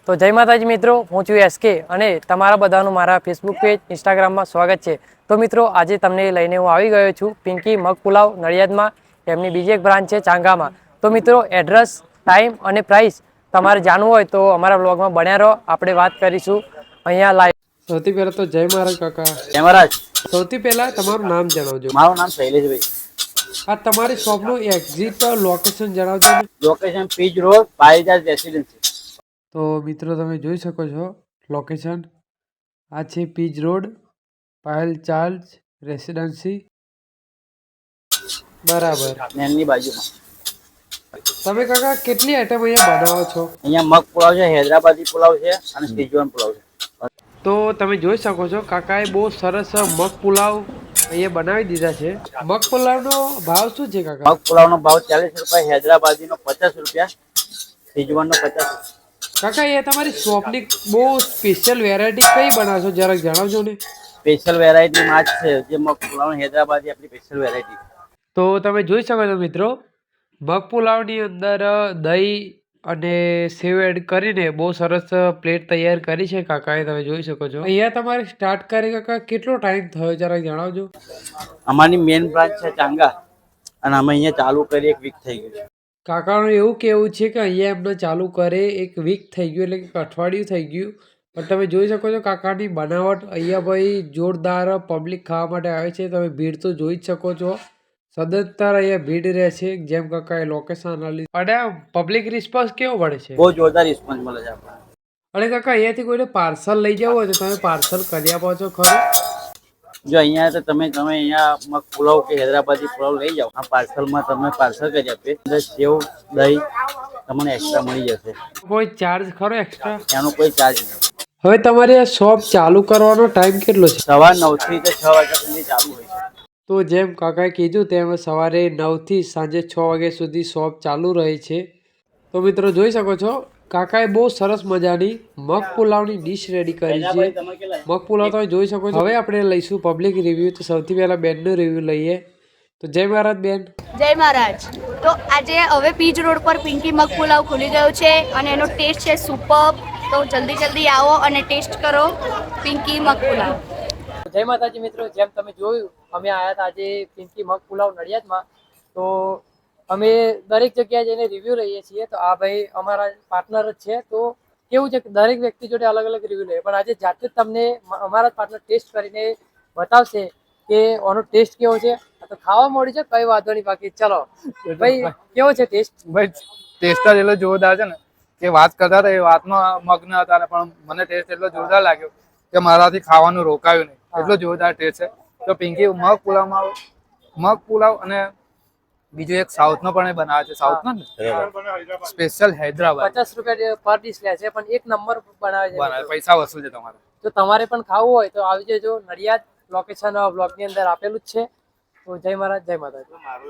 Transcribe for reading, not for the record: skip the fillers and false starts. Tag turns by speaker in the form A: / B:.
A: તો જય માતાજી મિત્રો, હું છું એસકે અને તમારા બધાનું મારા ફેસબુક પેજ ઇન્સ્ટાગ્રામમાં સ્વાગત છે। તો મિત્રો આજે તમને લઈને હું આવી ગયો છું પિંકી મગ પુલાવ નડિયાદમાં। એમની બીજી એક બ્રાન્ચ છે ચાંગામાં। તો મિત્રો એડ્રેસ, ટાઈમ અને પ્રાઇસ તમારે જાણવું હોય તો અમારા બ્લોગમાં બન્યા રહો, આપણે વાત કરીશું અહીંયા લાઈવ। સૌથી પહેલાં તો જય મહારાજ કાકા।
B: જય મહારાજ।
A: સૌથી પહેલાં તમારું નામ જણાવજો।
B: મારું નામ શૈલેષભાઈ।
A: આ તમારી શોપનું એક્ઝિટ લોકેશન જણાવજો ને।
B: Location Pij road, Parijat residency.
A: તો મિત્રો તમે જોઈ શકો છો લોકેશન આ છે પીજ રોડ, પાયલ ચાર્જ રેસિડેન્સી, બરાબર।
B: એમની બાજુમાં
A: તમે કાકા કેટલી આઈટમ અહીંયા બનાવો છો?
B: અહીંયા મગ પુલાવ છે, હૈદરાબાદી પુલાવ છે અને શેઝવાન પુલાવ છે।
A: તો તમે જોઈ શકો છો કાકાએ બહુ સરસ મગ પુલાવ અહીંયા બનાવી દીધા છે। મગ પુલાવનો ભાવ શું છે કાકા?
B: મગ પુલાવનો ભાવ 40 રૂપિયા, હૈદરાબાદીનો 50 રૂપિયા, શેઝવાનનો 50 રૂપિયા।
A: કાકા એ તમારી શોપની બહુ સ્પેશિયલ વેરાયટી કઈ બનાવશો જરાક જણાવજો ને।
B: સ્પેશિયલ વેરાયટીમાં જ છે જે મગ પુલાવ હૈદરાબાદી આપણી સ્પેશિયલ વેરાયટી।
A: તો તમે જોઈ શકો છો મિત્રો મગ પુલાવની અંદર દહીં અને સેવ એડ કરીને બહુ સરસ પ્લેટ તૈયાર કરી છે કાકાએ, તમે જોઈ શકો છો। અહીંયા તમારે સ્ટાર્ટ કરી કાકા કેટલો ટાઈમ થયો જરાક જણાવજો।
B: અમારી મેઇન બ્રાન્ચ છે ચાંગા અને અમે અહીંયા ચાલુ કરી 1 વીક થઈ ગયું છે।
A: કાકાનું એવું કહેવું છે કે અહીંયા એમને ચાલુ કરે 1 વીક થઈ ગયું, એટલે કે અઠવાડિયું થઈ ગયું। પણ તમે જોઈ શકો છો કાકાની બનાવટ અહીંયા ભાઈ જોરદાર, પબ્લિક ખાવા માટે આવે છે। તમે ભીડ તો જોઈ જ શકો છો, સદંતર અહીંયા ભીડ રહે છે જેમ કાકાએ લોકેશન આલી। અને પબ્લિક રિસ્પોન્સ કેવો મળે છે?
B: બહુ જોરદાર રિસ્પોન્સ મળે છે આપણને।
A: અને કાકા અહીંયાથી કોઈને પાર્સલ લઈ જવું હોય તો તમે પાર્સલ કરી આપો છો ખરું?
B: જો અહીંયા તો તમે અહીંયા મગ પુલાવ કે હૈદરાબાદી પુલાવ લઈ જાઓ, આ પાર્સલમાં તમે પાર્સલ કરી આપીએ, અંદર સેવ દહીં તમને એક્સ્ટ્રા મળી જશે।
A: કોઈ ચાર્જ ખરો એક્સ્ટ્રા?
B: એનો કોઈ ચાર્જ નથી।
A: હવે તમારી આ શોપ ચાલુ કરવાનો ટાઈમ કેટલો છે?
B: સવાર 9 થી 6 વાગ્યા સુધી ચાલુ હોય છે।
A: તો જેમ કાકાએ કીધું તેમ સવારે 9 થી સાંજે 6 વાગ્યા સુધી શોપ ચાલુ રહે છે। તો મિત્રો જોઈ શકો છો કાકાએ બહુ સરસ મજાની મગ પુલાવની ડીશ રેડી કરી છે। મગ પુલાવ તમે જોઈ શકો છો। હવે આપણે લઈશું પબ્લિક રિવ્યૂ। તો સૌથી પહેલાં બેનનું રિવ્યૂ લઈએ। તો જય મહારાજ બેન।
C: જય મહારાજ। તો આજે હવે પીજ રોડ પર પિંકી મગ પુલાવ ખુલી ગયો છે અને એનો ટેસ્ટ છે સુપર્બ। તો જલ્દી આવો અને ટેસ્ટ કરો પિંકી મગ પુલાવ।
A: જય માતાજી મિત્રો, જેમ તમે જોયું અમે આવ્યા હતા આજે પિંકી મગ પુલાવ નડિયાદમાં। તો અમે દરેક જગ્યાએ જઈને રિવ્યૂ લઈએ છીએ। તો આ ભાઈ અમારા પાર્ટનર જ છે। તો કેવું છે કે દરેક વ્યક્તિ જોડે અલગ અલગ રિવ્યૂ લઈએ, પણ આજે જાતે જ તમને અમારા પાર્ટનર ટેસ્ટ કરીને બતાવશે કે આનો ટેસ્ટ કેવો છે। તો ખાવા મળી છે કઈ વાંધો નહીં, બાકી ચલો ભાઈ કેવો છે ટેસ્ટ?
D: ભાઈ ટેસ્ટ જ એટલો જોરદાર છે ને કે વાત કરતા હતા એ વાતમાં મગ્ન હતા, પણ મને ટેસ્ટ એટલો જોરદાર લાગ્યો કે મારાથી ખાવાનું રોકાયું નહીં, એટલો જોરદાર ટેસ્ટ છે। તો પિંકી મગ પુલાવ અને બીજું એક સાઉથ નો પણ બનાવે છે, સાઉથ નો સ્પેશિયલ હૈદરાબાદ।
A: 50 રૂપિયા પર ડીશ લે છે, પણ એક નંબર બનાવે છે,
D: પૈસા વસૂલ છે તમારે।
A: જો તમારે પણ ખાવું હોય તો આવી જજો નડિયાદ, લોકેશન બ્લોગની અંદર આપેલું જ છે। તો જય મહારાજ, જય માતાજી।